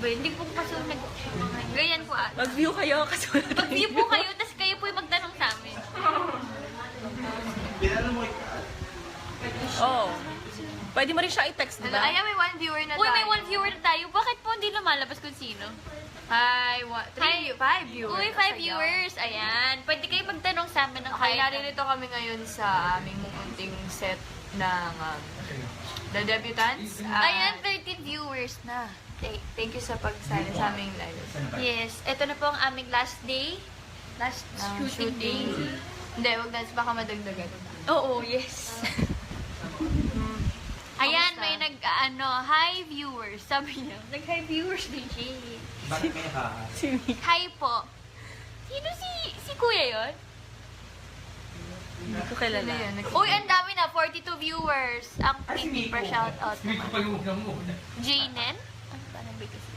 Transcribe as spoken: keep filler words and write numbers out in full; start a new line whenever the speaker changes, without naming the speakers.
ba yun? Hindi po kasi nag... Ganyan po ah.
Mag-view kayo kasi wala
Mag-view po kayo, tapos kayo po yung magtanong sa amin.
Oo. Oh. Pwede mo rin siya i-text, di ba?
Ayan, may one viewer na
Uy,
tayo.
may one viewer na tayo. Bakit po hindi lumalabas kung sino?
Hi, one, three,
Hi.
five viewers.
Uy, five
Sayang.
viewers. Ayan. Pwede kayo magtanong sa amin ng
Okay,
kahit
naririto kami ngayon sa aming munting set ng um, The Debutants. Ah,
Ayan, thirteen viewers na.
th- thank you sa pagsali sa aming live.
Yes. Ito na po ang aming last day. Last
Ng
shooting, day.
Hindi, wag na, baka madagdagan.
Oo, yes. Ayan,
Kamusta?
may nag, ano, hi viewers. Sabi niya, nag-hi viewers din siya.
Bakit kaya ka?
Hi po. Sino si, si kuya yon?
Hindi ko kilala.
Ano yan? Nag-
Uy, ang dami na, forty-two viewers. Ang P P per shoutout
Hindi ko pa
naman.
yung unang muna.
Janen? Ano ba nabigay kasi?